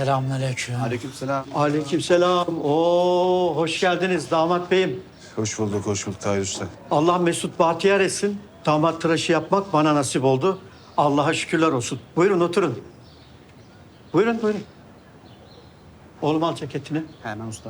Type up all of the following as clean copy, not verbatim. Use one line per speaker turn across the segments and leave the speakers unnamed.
Selamünaleyküm.
Aleykümselam.
Aleykümselam. Oo, hoş geldiniz damat beyim.
Hoş bulduk Tahir Usta.
Allah mesut bahtiyar etsin. Damat tıraşı yapmak bana nasip oldu. Allah'a şükürler olsun. Buyurun oturun. Buyurun. Oğlum al ceketini.
Hemen usta.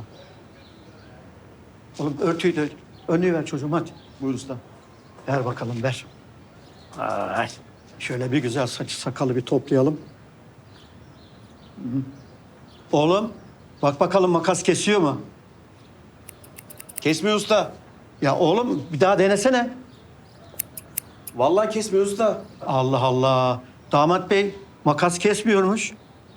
Oğlum örtüyü de önlüğü ver çocuğum hadi.
Buyur usta.
Ver bakalım ver. Ay. Şöyle bir güzel saçı sakalı bir toplayalım. Hı. Oğlum bak bakalım makas kesiyor mu?
Kesmiyor usta.
Ya oğlum bir daha denesene.
Vallahi kesmiyor usta.
Allah Allah. Damat bey makas kesmiyormuş.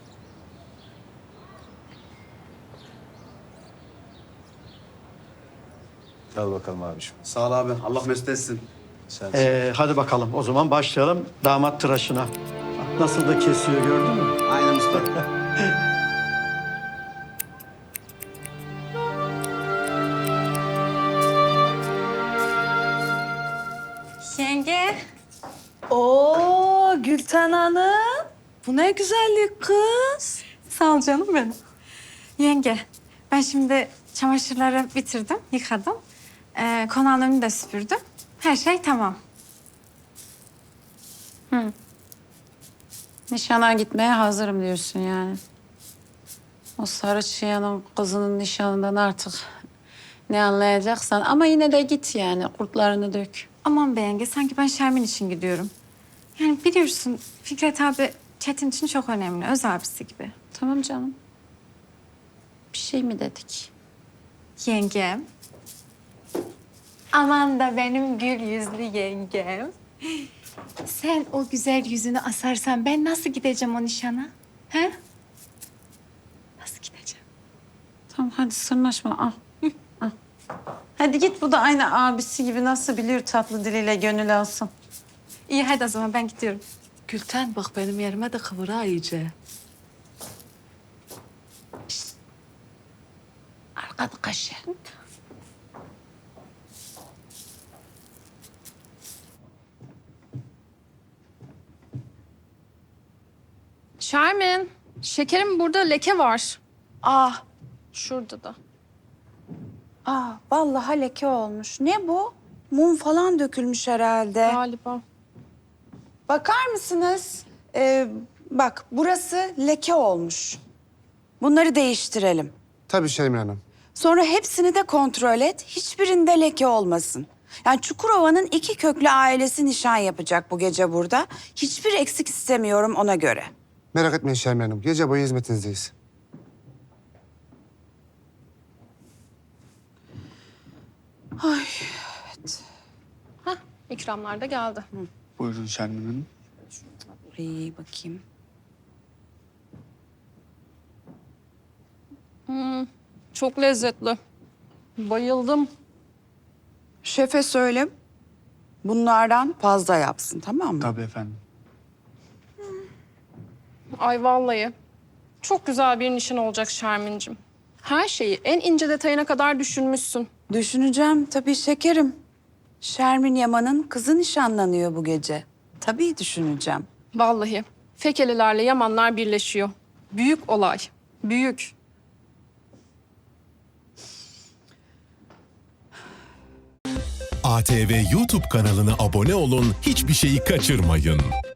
Al bakalım abiciğim. Sağ ol abi. Allah mesut etsin. Sen.
Hadi bakalım o zaman başlayalım damat tıraşına. Bak, nasıl da kesiyor gördün mü?
Aynen usta.
Yenge.
Oo Gülten Hanım. Bu ne güzellik kız.
Sağ ol canım benim. Yenge, ben şimdi çamaşırları bitirdim, yıkadım. Konağın önünü de süpürdüm. Her şey tamam.
Nişana gitmeye hazırım diyorsun yani. O sarı çıyanın kızının nişanından artık ne anlayacaksan. Ama yine de git yani kurtlarını dök.
Aman be yenge, sanki ben Şermin için gidiyorum. Yani biliyorsun Fikret abi Çetin için çok önemli, öz abisi gibi.
Tamam canım. Bir şey mi dedik?
Yengem. Aman da benim gül yüzlü yengem. Sen o güzel yüzünü asarsan ben nasıl gideceğim o nişana? He? Nasıl gideceğim?
Tamam hadi sırnaşma al. Al. Hadi git, bu da aynı abisi gibi nasıl biliyor tatlı diliyle gönül alsın.
İyi hadi o zaman ben gidiyorum.
Gülten bak benim yerime de kıvır ha iyice.
Arkada kaşı.
Şermin, şekerim burada leke var.
Ah,
Şurada da.
vallahi leke olmuş. Ne bu? Mum falan dökülmüş herhalde.
Galiba.
Bakar mısınız? Bak burası leke olmuş. Bunları değiştirelim.
Tabii Şermin Hanım.
Sonra hepsini de kontrol et. Hiçbirinde leke olmasın. Yani Çukurova'nın 2 köklü ailesi nişan yapacak bu gece burada. Hiçbir eksik istemiyorum ona göre.
Merak etmeyin Şermin Hanım. Gece boyu hizmetinizdeyiz.
İkramlar da geldi.
Buyurun Şermin Hanım.
Buraya bakayım.
Çok lezzetli. Bayıldım.
Şefe söyle. Bunlardan fazla yapsın, tamam mı?
Tabii efendim.
Ay vallahi. Çok güzel bir nişan olacak Şermin'cim. Her şeyi en ince detayına kadar düşünmüşsün.
Düşüneceğim tabii şekerim. Şermin Yaman'ın kızı nişanlanıyor bu gece. Tabii düşüneceğim.
Vallahi. Fekelilerle Yamanlar birleşiyor. Büyük olay. Büyük.
ATV YouTube kanalına abone olun, hiçbir şeyi kaçırmayın.